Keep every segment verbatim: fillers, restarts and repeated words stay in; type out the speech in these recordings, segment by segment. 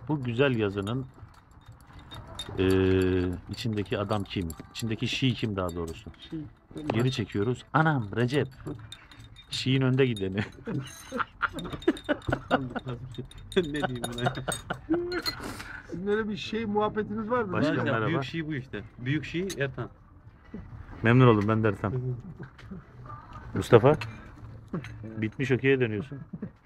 Bu güzel yazının eee, içindeki adam kim? İçindeki Şii kim daha doğrusu? Şey, Geri çekiyoruz. Anam Recep. Şii'nin önde gideni. ne diyeyim buna? Sizin öyle bir şey muhabbetiniz var mı? Başka Var ya, merhaba. Büyük Şii bu işte. Büyük Şii Ertan. Memnun oldum ben Dertan. Mustafa. Bitmiş okey'e dönüyorsun.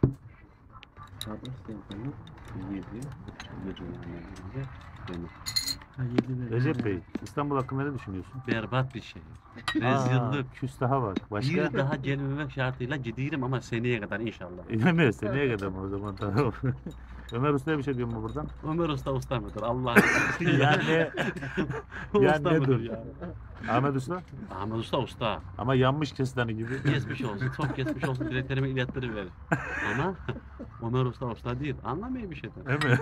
Ha, yedi de. Recep Bey, İstanbul hakkında ne düşünüyorsun? Berbat bir şey. Aa, Rezillik. küstaha bak. Başka? Bir daha gelmemek şartıyla gidiyorum ama seneye kadar inşallah. İnanmıyor. Seneye kadar mı o zaman? Tamam. Ömer Usta'ya bir şey diyor mu buradan? Ömer Usta usta mıdır? Allah Yani O ya usta ne mıdır dur? ya? Ahmet Usta Ahmet Usta usta. ama yanmış kestane gibi. Geçmiş olsun. Çok geçmiş olsun. Dileklerimi ilettiriverir. Ama Ömer Usta usta değil. Anlamıyor bir şeyden. Değil mi?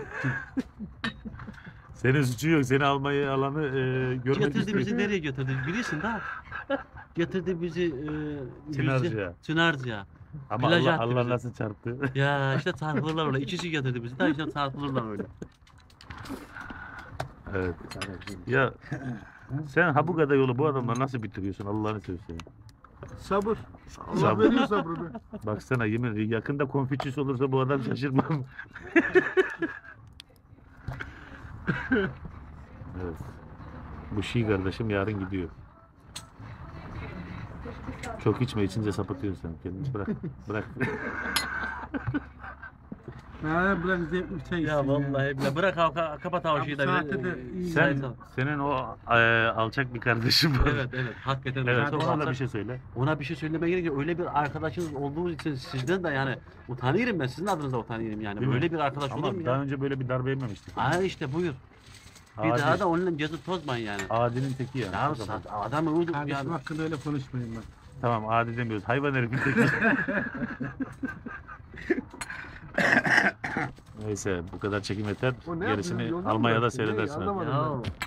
Senin suçu yok. Seni almayı alanı e, görmek Getirdi istiyor. bizi nereye götürdü biliyorsun da. Getirdi bizi e, Çınarcık'a. Yüzce- Çınarcık'a. Ama plaja Allah, attı Allah bizi. nasıl çarptı? Ya işte çarpılırlar öyle. İkisi getirdi bizi de işte çarpılırlar öyle. Evet. Ya sen ha bu kadar yolu bu adamla nasıl bitiriyorsun Allah'ını seversen. Sabır. Allah Sabır. veriyor sabrını. Baksana yemin yakında Konfüçyüs olursa bu adam şaşırmam. Evet. Bu Şii kardeşim yarın gidiyor. Çok içme içince sapıtıyorsun sen kendini bırak bırak. Ha bırak zevkli çay içsin Ya vallahi bile bırak ha, kapat ha o şeyi de. Abi saatte de iyi. Sen senin o e, alçak bir kardeşin var. Evet evet hakikaten. Evet, çok ona da alçak- bir şey söyle. Ona bir şey söylemeye gerek yok. Öyle bir arkadaşınız olduğunuz için sizden de yani utanıyorum ben. Sizin adınıza utanıyorum yani. Değil mi? Böyle bir arkadaş olur Ama mu daha ya? önce böyle bir darbe yememiştik. Aa işte buyur. Bir Adi, daha da onunla gezip tozmayın yani. Adinin teki yani. Ya O zaman. sat- adamı uyuduk Kardeşim yani. hakkında öyle konuşmayın bak. Tamam adi demiyoruz. Hayvan herifin teki. Neyse bu kadar çekim yeter. O ne Gerisini yapıyor? Yolda mı Almanya'da bıraktın? Ne? seyredersin. Anlamadım. Ya